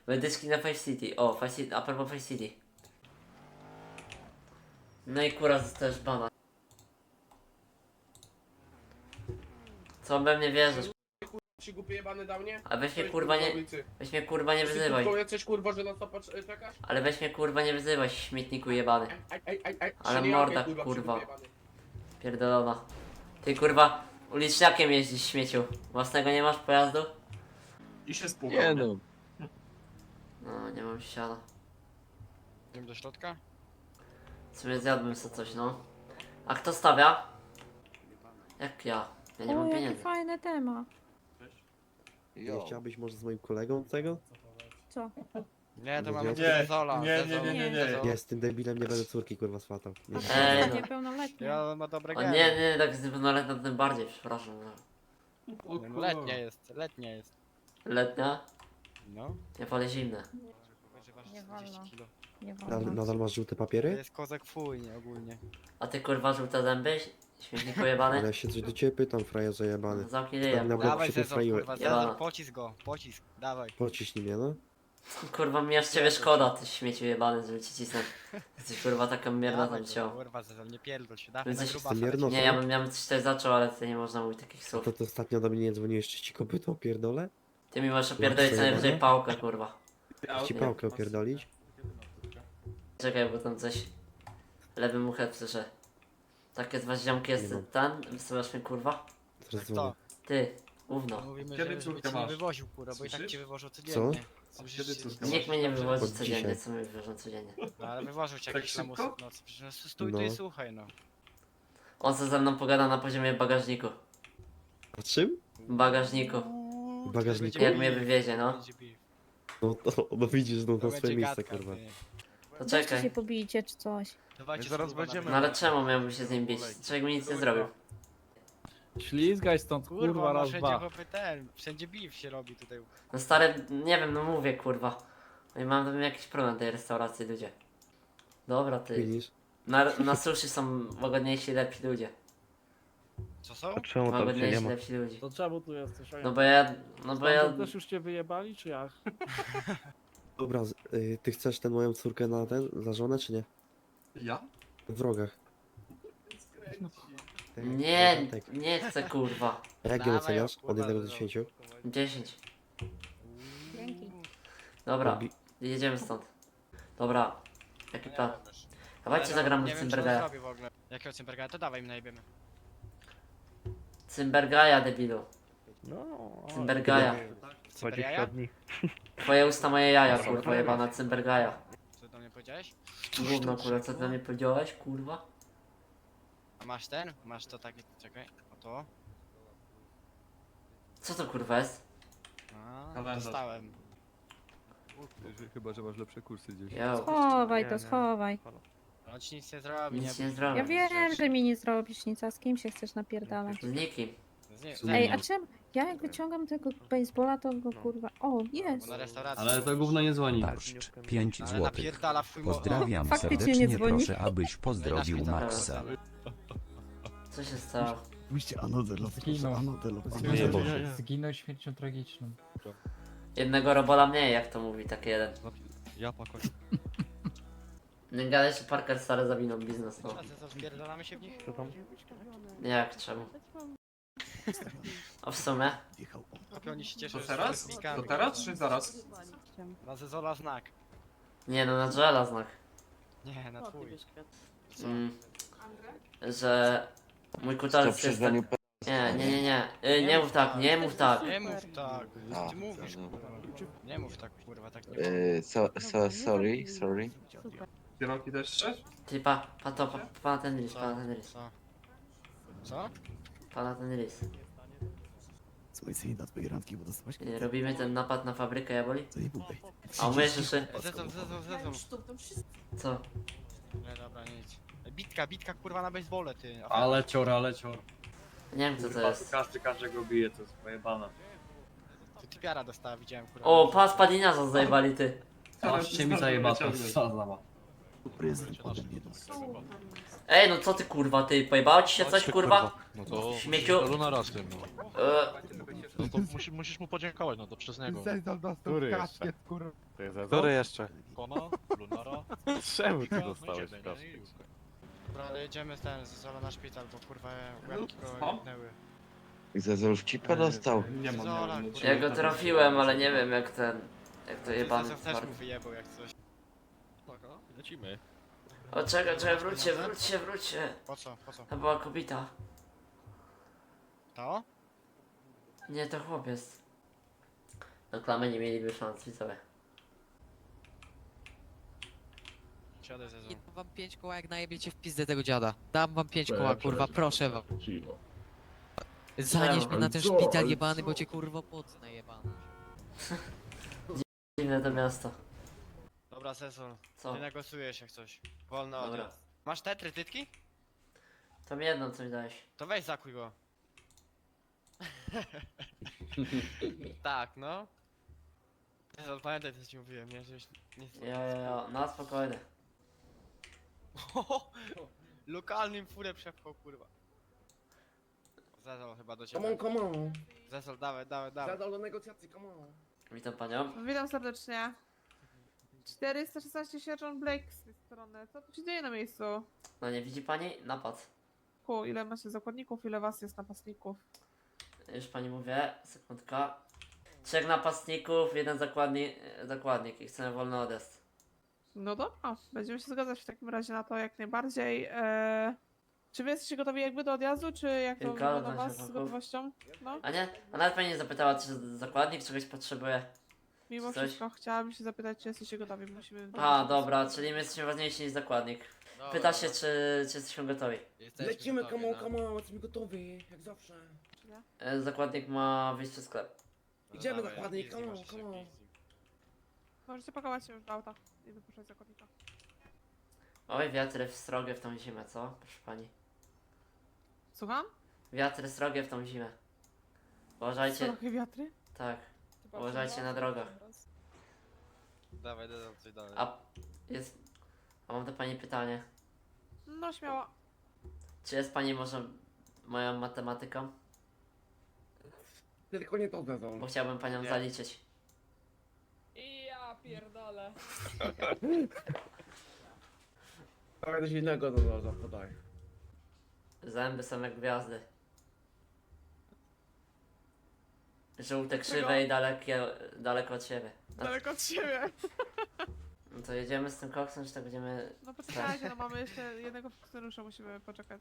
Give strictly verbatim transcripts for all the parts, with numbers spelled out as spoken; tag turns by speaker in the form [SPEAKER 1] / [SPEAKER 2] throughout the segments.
[SPEAKER 1] Wydyski na Five City. O, Five City, a propos Five City. No i kurwa zostajesz bana. Co we mnie wierzysz?
[SPEAKER 2] Ci głupie jebany dał, nie?
[SPEAKER 1] A weź mnie
[SPEAKER 2] Cześć,
[SPEAKER 1] kurwa nie...
[SPEAKER 2] ulicy.
[SPEAKER 1] Weź mnie kurwa nie
[SPEAKER 2] Ty
[SPEAKER 1] wyzywaj.
[SPEAKER 2] kurwa jesteś kurwa, że na stopa cz- czekasz?
[SPEAKER 1] Ale weź mnie kurwa nie wyzywaj, śmietniku jebany.
[SPEAKER 2] Aj, aj, aj, aj.
[SPEAKER 1] Ale
[SPEAKER 2] Czyli
[SPEAKER 1] morda,
[SPEAKER 2] jakie,
[SPEAKER 1] kurwa.
[SPEAKER 2] przygłupie jebany.
[SPEAKER 1] Pierdolona. Ty kurwa uliczniakiem jeździsz, śmieciu. Własnego nie masz pojazdu?
[SPEAKER 3] I się spłukał.
[SPEAKER 4] Nie no.
[SPEAKER 1] No, nie mam siana.
[SPEAKER 4] Idziemy do środka?
[SPEAKER 1] W sumie zjadłbym sobie coś, no. A kto stawia? Jak ja? Ja nie
[SPEAKER 5] o,
[SPEAKER 1] mam
[SPEAKER 5] jaki
[SPEAKER 1] pieniędzy.
[SPEAKER 5] fajny temat.
[SPEAKER 6] Nie chciałbyś może z moim kolegą tego?
[SPEAKER 5] Co?
[SPEAKER 4] Nie, to
[SPEAKER 6] Nie,
[SPEAKER 4] mamy
[SPEAKER 3] nie,
[SPEAKER 4] Zezola.
[SPEAKER 3] nie, nie,
[SPEAKER 4] Zezol,
[SPEAKER 3] nie, nie, nie.
[SPEAKER 4] Zezol.
[SPEAKER 6] Ja z tym debilem nie będę córki kurwa swatał. Nie,
[SPEAKER 1] Ej, no.
[SPEAKER 5] Niepełnoletnia.
[SPEAKER 4] Ja ma dobre
[SPEAKER 1] O
[SPEAKER 4] geny.
[SPEAKER 1] nie, nie, tak z pełnoletnią tym bardziej, przepraszam. No.
[SPEAKER 3] O kurwa.
[SPEAKER 4] Letnia jest, letnia jest.
[SPEAKER 1] Letnia?
[SPEAKER 4] No.
[SPEAKER 1] Ja wolę zimne.
[SPEAKER 4] Wyżywasz
[SPEAKER 5] Nie
[SPEAKER 4] czterdzieści
[SPEAKER 5] wolno.
[SPEAKER 4] kilo.
[SPEAKER 5] Nie
[SPEAKER 6] Nadal,
[SPEAKER 5] wolno.
[SPEAKER 6] nadal masz żółte
[SPEAKER 4] To
[SPEAKER 6] papiery?
[SPEAKER 4] jest kozak fuj, nie ogólnie.
[SPEAKER 1] A ty kurwa żółte zęby? Śmietniku jebany?
[SPEAKER 6] Ale ja się coś do ciebie pytam, frajerze jebany.
[SPEAKER 1] Zamknij
[SPEAKER 6] Tam
[SPEAKER 1] ryja.
[SPEAKER 6] na bok
[SPEAKER 4] Dawaj
[SPEAKER 6] się
[SPEAKER 4] Zezol,
[SPEAKER 6] postroiły.
[SPEAKER 4] kurwa,
[SPEAKER 1] Ja.
[SPEAKER 4] Zezol, pocisk go, pocisk, dawaj.
[SPEAKER 6] Pociśnij mnie, no.
[SPEAKER 1] Kurwa mi aż ciebie szkoda, ty śmieciu jebany, żeby ci cisnąć. Jesteś kurwa taka mierna
[SPEAKER 4] Dawaj
[SPEAKER 1] tam
[SPEAKER 4] go,
[SPEAKER 1] ciało.
[SPEAKER 4] kurwa, Zezol, nie pierdol się, dawaj na
[SPEAKER 1] Jesteś
[SPEAKER 4] grubasa.
[SPEAKER 6] mierno-
[SPEAKER 4] lecimy.
[SPEAKER 1] Nie, ja bym, ja bym coś tutaj zaczął, ale tutaj nie można mówić takich
[SPEAKER 6] A
[SPEAKER 1] słów.
[SPEAKER 6] to, to ostatnio do mnie nie dzwoniłeś, czy ci kopyto opierdolę?
[SPEAKER 1] Ty mi możesz opierdolić co
[SPEAKER 6] Łatwo
[SPEAKER 1] najwyżej
[SPEAKER 6] jebane?
[SPEAKER 1] pałkę, kurwa.
[SPEAKER 6] Chcę ci pałkę opierdolić?
[SPEAKER 1] Czekaj, bo tam coś... Lewy muchet słyszę. Takie z was ziomki jest
[SPEAKER 6] Nie mam.
[SPEAKER 1] ten? Wysyłasz mnie kurwa?
[SPEAKER 6] Zaraz
[SPEAKER 4] Kto?
[SPEAKER 6] dzwonię.
[SPEAKER 1] Ty, ówno.
[SPEAKER 4] Mówimy,
[SPEAKER 3] Kiedy
[SPEAKER 4] że, żeby
[SPEAKER 3] córkę
[SPEAKER 4] cię nie
[SPEAKER 3] masz?
[SPEAKER 4] wywoził, kurwa, bo i tak
[SPEAKER 3] Słyszysz?
[SPEAKER 4] cię wywożą codziennie. Słyszysz,
[SPEAKER 3] Kiedy
[SPEAKER 4] że-
[SPEAKER 3] córkę
[SPEAKER 1] Nikt mnie nie wywozi
[SPEAKER 6] Od
[SPEAKER 1] codziennie,
[SPEAKER 6] dzisiaj.
[SPEAKER 1] co mnie wywożą codziennie.
[SPEAKER 4] No ale wywożą cię
[SPEAKER 3] Tak
[SPEAKER 4] jakieś
[SPEAKER 3] szybko?
[SPEAKER 4] lamusy. No co, przecież no, stój tu
[SPEAKER 6] No.
[SPEAKER 4] i słuchaj, no.
[SPEAKER 1] On co ze mną pogada na poziomie bagażniku.
[SPEAKER 6] A czym?
[SPEAKER 1] W bagażniku.
[SPEAKER 4] Uuu,
[SPEAKER 6] bagażniku?
[SPEAKER 4] to
[SPEAKER 1] Jak
[SPEAKER 4] będzie
[SPEAKER 1] mnie
[SPEAKER 4] beef,
[SPEAKER 1] wywiezie, no.
[SPEAKER 4] będzie beef.
[SPEAKER 6] No, to, no widzisz, no
[SPEAKER 4] To
[SPEAKER 6] na swoje
[SPEAKER 4] będzie
[SPEAKER 6] miejsce,
[SPEAKER 4] gadka,
[SPEAKER 6] kurwa.
[SPEAKER 4] ty.
[SPEAKER 1] To
[SPEAKER 5] Weźcie
[SPEAKER 1] czekaj.
[SPEAKER 5] się pobijcie czy coś.
[SPEAKER 4] Dawajcie,
[SPEAKER 7] My zaraz
[SPEAKER 4] kurwa, na
[SPEAKER 7] będziemy.
[SPEAKER 1] No ale czemu miałbym się z nim bić? Człowiek mi nic nie zrobił.
[SPEAKER 7] Ślizgaj stąd, kurwa,
[SPEAKER 4] Kurwa, no
[SPEAKER 7] raz,
[SPEAKER 4] wszędzie
[SPEAKER 7] dwa.
[SPEAKER 4] chłopy ten, wszędzie beef się robi tutaj.
[SPEAKER 1] No stary, nie wiem, no mówię kurwa. No i mam tam jakiś problem tej restauracji, ludzie. Dobra ty.
[SPEAKER 6] Widzisz?
[SPEAKER 1] Na, na sushi są łagodniejsi, lepsi ludzie.
[SPEAKER 4] Co są?
[SPEAKER 7] Czemu
[SPEAKER 1] Łagodniejsi, lepsi ludzie.
[SPEAKER 7] To czemu tu jesteś?
[SPEAKER 1] No bo ja, no bo ja...
[SPEAKER 7] Stamtąd też już cię wyjebali, czy jak?
[SPEAKER 6] Dobra, z- y, ty chcesz tę moją córkę na ten, za żonę, czy nie?
[SPEAKER 3] Ja?
[SPEAKER 6] W rogach. Tak,
[SPEAKER 1] Nie,
[SPEAKER 6] tak.
[SPEAKER 1] nie chcę kurwa.
[SPEAKER 6] A jak ją
[SPEAKER 4] Dawaj,
[SPEAKER 6] oceniasz?
[SPEAKER 4] kurwa,
[SPEAKER 6] Od jednego do
[SPEAKER 4] Zezol.
[SPEAKER 6] dziesięciu?
[SPEAKER 1] dziesięć.
[SPEAKER 5] Dzięki.
[SPEAKER 1] Dobra,
[SPEAKER 6] Robi-
[SPEAKER 1] jedziemy stąd. Dobra, jaki plan? Dawajcie
[SPEAKER 4] Ale
[SPEAKER 1] zagramy
[SPEAKER 4] nie
[SPEAKER 1] w
[SPEAKER 4] wiem, czy on
[SPEAKER 1] Cymbergaja.
[SPEAKER 4] zrobi w ogóle. Jakiego Cymbergaja? To dawaj, my najebiemy.
[SPEAKER 1] Cymbergaja, debilu.
[SPEAKER 7] No.
[SPEAKER 1] Cymbergaja.
[SPEAKER 4] Cymbergaja?
[SPEAKER 1] Twoje usta, moje jaja, kurwa jebana Cymbergaja.
[SPEAKER 4] Co do mnie powiedziałeś?
[SPEAKER 1] Gówno kurwa, co ty na mnie powiedziałeś, kurwa?
[SPEAKER 4] A masz ten? Masz to takie, czekaj, o to.
[SPEAKER 1] Co to kurwa jest?
[SPEAKER 4] A,
[SPEAKER 3] Kalendarz.
[SPEAKER 4] dostałem.
[SPEAKER 7] Chyba, że masz lepsze kursy gdzieś.
[SPEAKER 1] Jo,
[SPEAKER 5] Schowaj to, schowaj.
[SPEAKER 4] On ci nic nie zrobi,
[SPEAKER 1] nic
[SPEAKER 4] nie
[SPEAKER 1] nie
[SPEAKER 5] Ja
[SPEAKER 1] zrobię.
[SPEAKER 5] wiem, że mi nie zrobisz nic, a z kim się chcesz napierdalać?
[SPEAKER 1] Z nikim.
[SPEAKER 4] Z nie,
[SPEAKER 5] Ej, a czemu? Ja jak wyciągam tego baseballa, to go kurwa... O, jest!
[SPEAKER 4] na restauracji.
[SPEAKER 3] Ale to gówno nie dzwoni.
[SPEAKER 8] Barszcz, pięć
[SPEAKER 4] Ale
[SPEAKER 8] złotych.
[SPEAKER 4] napierdala w twój mo-
[SPEAKER 8] Pozdrawiam
[SPEAKER 5] Faktycznie nie
[SPEAKER 8] serdecznie,
[SPEAKER 5] dzwoni.
[SPEAKER 8] proszę abyś pozdrowił
[SPEAKER 4] Wydasz mi to
[SPEAKER 8] Maxa.
[SPEAKER 1] Co się stało?
[SPEAKER 9] Zginął.
[SPEAKER 3] Nie,
[SPEAKER 9] Zginął śmiercią tragiczną.
[SPEAKER 1] Jednego robola mniej, jak to mówi taki jeden.
[SPEAKER 7] Ja pakoś.
[SPEAKER 1] Nie gadaj, że Parker stary zawinął biznes, no.
[SPEAKER 4] A co, spierdalamy się w nich?
[SPEAKER 1] Nie jak, czemu? A w sumie?
[SPEAKER 4] Chłopie, oni się cieszą,
[SPEAKER 3] To
[SPEAKER 4] że
[SPEAKER 3] teraz?
[SPEAKER 4] są pikami,
[SPEAKER 3] To teraz
[SPEAKER 4] kurwa.
[SPEAKER 3] czy zaraz?
[SPEAKER 4] Na Zezola znak.
[SPEAKER 1] Nie no, na Joela znak.
[SPEAKER 4] Nie, na twój. Co?
[SPEAKER 1] Mm, że mój kutalec jest tak... Nie, nie, nie, nie. Y, nie mów tak, nie mów tak.
[SPEAKER 4] Nie mów tak, ty mówisz kurwa. Nie mów tak kurwa, tak nie
[SPEAKER 10] Uh, so, so sorry, sorry.
[SPEAKER 3] Kierunki też chcesz?
[SPEAKER 1] Ty pa, pa to, pa, pa na ten rys, pa na ten rys.
[SPEAKER 4] Co? Co?
[SPEAKER 1] Pa na ten rys. Y, Robimy ten napad na fabrykę jaboli? A umiesz jeszcze?
[SPEAKER 4] Zezol, Zezol, Zezol.
[SPEAKER 1] Co?
[SPEAKER 4] Nie, dobra, nic. Bitka, bitka kurwa na basebole, ty.
[SPEAKER 3] Ale cior, ale cior.
[SPEAKER 1] Nie wiem co to jest.
[SPEAKER 3] Każdy każdego bije, to jest pojebane.
[SPEAKER 4] Ty typiara dostała, widziałem kurwa.
[SPEAKER 1] O, pas padiniarza zajebali ty.
[SPEAKER 3] Ażcie mi zajeba to zabawa.
[SPEAKER 1] Ej, no co ty kurwa, ty pojebało ci się coś kurwa?
[SPEAKER 7] No to...
[SPEAKER 1] Śmieciu?
[SPEAKER 7] To na raz tym, no.
[SPEAKER 1] E,
[SPEAKER 4] No to musi, musisz mu podziękować, no to przez niego.
[SPEAKER 9] Zezol dostał
[SPEAKER 7] Który
[SPEAKER 9] kaskiet,
[SPEAKER 7] jeszcze?
[SPEAKER 9] kurwa.
[SPEAKER 7] To jest
[SPEAKER 3] Który jeszcze?
[SPEAKER 4] Kona, Lunara,
[SPEAKER 7] Czemu ty
[SPEAKER 4] Mika, no i
[SPEAKER 7] dostałeś
[SPEAKER 4] ciebie, nie?
[SPEAKER 7] kaskę?
[SPEAKER 4] I Julkę.
[SPEAKER 11] Dobra, ale jedziemy ten z Zola na szpital, bo kurwa łebki go
[SPEAKER 3] Co?
[SPEAKER 11] jebnęły.
[SPEAKER 10] Zezol w cipę dostał.
[SPEAKER 3] Nie ma,
[SPEAKER 11] Zola,
[SPEAKER 3] nie ma.
[SPEAKER 11] kurwa.
[SPEAKER 1] Ja go trafiłem, ale nie wiem jak ten... Jak to jebany
[SPEAKER 11] Zezol też
[SPEAKER 1] tward.
[SPEAKER 11] mu wyjebał jak coś.
[SPEAKER 4] Tak, o, lecimy.
[SPEAKER 1] O czekaj, czekaj, wróćcie, wróćcie, wróćcie.
[SPEAKER 11] Po co, po co?
[SPEAKER 1] To była kobieta.
[SPEAKER 11] To?
[SPEAKER 1] Nie, to chłopiec. Do klamy nie mieliby szans, widzowie.
[SPEAKER 11] Siadę Zezol.
[SPEAKER 12] I dam wam pięć koła, jak najebiecie w pizdę tego dziada. Dam wam pięć koła, kurwa, proszę wam. Zanieś mnie na ten szpital jebany, bo cię kurwa potnę jebany.
[SPEAKER 1] Dziwne to miasto.
[SPEAKER 11] Dobra Zezol,
[SPEAKER 1] Co?
[SPEAKER 11] ty negocjujesz jak coś. Wolno
[SPEAKER 1] Dobra.
[SPEAKER 11] odjazd. Masz te trytytki?
[SPEAKER 1] To mi jedną coś dałeś.
[SPEAKER 11] To weź zakuj go. Tak, no. Zezol, pamiętaj co ci mówiłem, nie? Żebyś nie...
[SPEAKER 1] Jo, jo, jo, no spokojnie.
[SPEAKER 11] Lokalnym furę przepchał, kurwa. Zezol chyba do
[SPEAKER 2] Come
[SPEAKER 11] ciebie.
[SPEAKER 2] on, come on.
[SPEAKER 11] Zezol, dawaj, dawaj, dawaj.
[SPEAKER 2] Zadał do negocjacji, come on.
[SPEAKER 1] Witam panią.
[SPEAKER 5] Witam serdecznie. czterysta szesnaście sierżant Blake z tej strony. Co tu się dzieje na miejscu?
[SPEAKER 1] No nie widzi pani? Napad.
[SPEAKER 5] Ku, ile macie zakładników, ile was jest napastników?
[SPEAKER 1] Już pani mówię, sekundka. Trzech napastników, jeden zakładnik, zakładnik i chcemy wolny odjazd.
[SPEAKER 5] No dobra, będziemy się zgadzać w takim razie na to jak najbardziej. Eee, czy wy jesteście gotowi jakby do odjazdu, czy jak to
[SPEAKER 1] Kilka,
[SPEAKER 5] wygląda u was z
[SPEAKER 1] dwanaście
[SPEAKER 5] gotowością? No,
[SPEAKER 1] A nie? A nawet pani nie zapytała, czy zakładnik czegoś potrzebuje.
[SPEAKER 5] mimo
[SPEAKER 1] Coś?
[SPEAKER 5] wszystko chciałabym się zapytać, czy jesteście gotowi. Musimy...
[SPEAKER 1] A, dobra, czyli my jesteśmy ważniejsi niż zakładnik. Pyta się, czy, czy jesteśmy gotowi.
[SPEAKER 2] Lecimy, come on, come on, jesteśmy gotowi, jak zawsze.
[SPEAKER 1] E, Zakładnik ma wyjść przez sklep.
[SPEAKER 2] Idziemy
[SPEAKER 11] dawaj,
[SPEAKER 2] dokładnie,
[SPEAKER 11] easy,
[SPEAKER 2] come on,
[SPEAKER 11] możesz
[SPEAKER 2] come on.
[SPEAKER 11] easy.
[SPEAKER 5] Możecie pakować się już do auta i wypuszczać zakładnika.
[SPEAKER 1] Oj, wiatry srogie w tą zimę, co? Proszę pani.
[SPEAKER 5] Słucham?
[SPEAKER 1] Wiatry srogie w tą zimę. Uważajcie,
[SPEAKER 5] Trochę wiatry?
[SPEAKER 1] tak. Uważajcie na drogach.
[SPEAKER 11] Dawaj, Zezol, coś dalej.
[SPEAKER 1] A jest. A mam do pani pytanie.
[SPEAKER 5] No śmiało.
[SPEAKER 1] Czy jest pani może moją matematyką?
[SPEAKER 2] Tylko nie to Zezol.
[SPEAKER 1] Bo chciałbym panią
[SPEAKER 11] Nie.
[SPEAKER 1] zaliczyć.
[SPEAKER 5] I ja pierdolę.
[SPEAKER 2] Dawaj coś innego Zezol, podaj.
[SPEAKER 1] Zęby są jak gwiazdy. Żółte, krzywe i dalekie, daleko od siebie. No,
[SPEAKER 5] Daleko od siebie.
[SPEAKER 1] no to jedziemy z tym koksem, czy tak będziemy...
[SPEAKER 5] No poczekajcie, no mamy jeszcze jednego funkcjonariusza, musimy poczekać.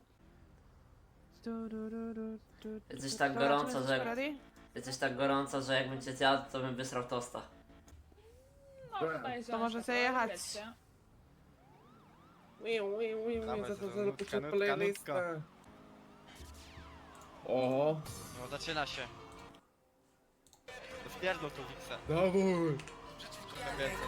[SPEAKER 5] Du, du, du, du, du,
[SPEAKER 1] Jest coś
[SPEAKER 5] du.
[SPEAKER 1] tak
[SPEAKER 5] Dobra,
[SPEAKER 1] gorąco,
[SPEAKER 5] czy
[SPEAKER 1] że-
[SPEAKER 5] jesteśmy ready?
[SPEAKER 1] Jest coś tak gorąco, że jakbym cię zjadł, to bym wysrał tosta.
[SPEAKER 5] To możecie jechać.
[SPEAKER 2] Wiu, wiu, wiu,
[SPEAKER 11] Dawaj,
[SPEAKER 2] wiu, Zezol,
[SPEAKER 11] Zezol,
[SPEAKER 2] Zezol,
[SPEAKER 11] nutka,
[SPEAKER 2] puszczę
[SPEAKER 11] nutka,
[SPEAKER 2] playlistę. Oho,
[SPEAKER 11] No zaczyna się. Wpierdol tu Wiksa.
[SPEAKER 2] dawaj.
[SPEAKER 11] Przeciwko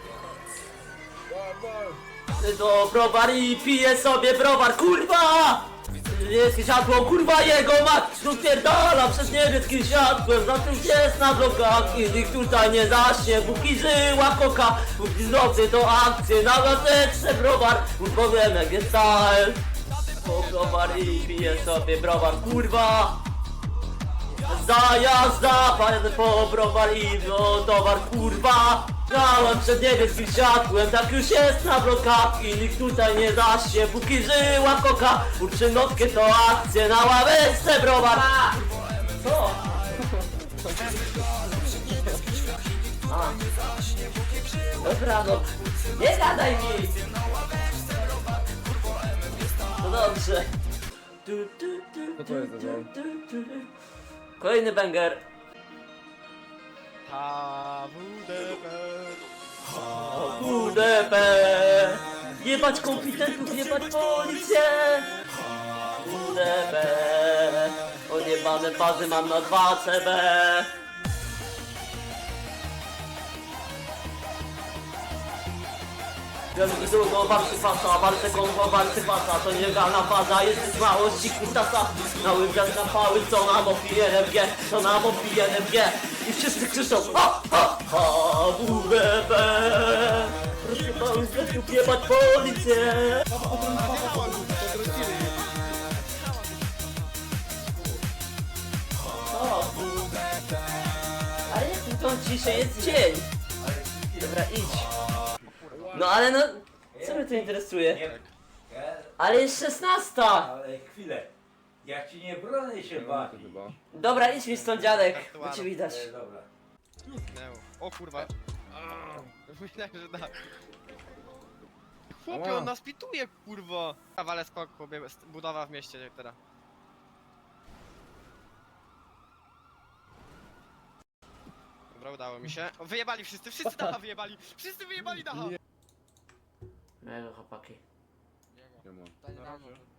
[SPEAKER 2] Dawaj.
[SPEAKER 1] Do browar i piję sobie browar, kurwa! Niebieskie światło, kurwa jego mać! Rozpierdala przez niebieskim światłem, zatem jest na blokach i nikt tutaj nie zaśnie. Póki żyła koka, póki zdrowy to akcje, na gazetce browar, powiem jak jest style. Do browar i piję sobie browar, kurwa! Zajazda, pajadę po browar i no towar, kurwa! Grałem przed niebieskim światłem, tak już jest na blokach i nikt tutaj nie zaśnie, póki żyła koka. Uczy notkę to akcje, na ławeczce browar. Co? A. Dobra, no, nie gadaj mi! No dobrze. Tu, tu, tu,
[SPEAKER 2] Co to jest,
[SPEAKER 1] tu,
[SPEAKER 2] Zezol?
[SPEAKER 1] tu, tu, tu. Kolejny banger.
[SPEAKER 11] H W D P.
[SPEAKER 1] U D P. Jebać kompetentów, jebać policję. U D P. Odjebane bazy mam na dwa C B. Wielki długo, walczy fasa, walczę konwo, walczy fasa. To nielegalna faza, jest z małości kutasa. Na łyżwiach na pały, co nam opije N F G, co nam opije N F G. I wszyscy krzyczą ha, ha, ha, W D P. Proszę mały zleciów, jebać policję. Ha, W D P. ciszej jest dzień. Dobra, idź. No ale no, co mnie to interesuje? Ale jest szesnasta!
[SPEAKER 2] Ale chwilę. Jak ci nie bronię się bawi. Chyba.
[SPEAKER 1] Dobra, idź mi stąd, dziadek, bo cię widać.
[SPEAKER 2] Dobra.
[SPEAKER 11] Zniknęło. O kurwa. Myślałem, że da. Chłopie, on nas pituje, kurwa. Kawale skok, chłopie, budowa w mieście teraz. Dobra, udało mi się. O, wyjebali wszyscy, wszyscy dacha wyjebali! Wszyscy wyjebali dacha!
[SPEAKER 1] Mego chłopaki.
[SPEAKER 2] Nie ma.
[SPEAKER 12] Daj rano.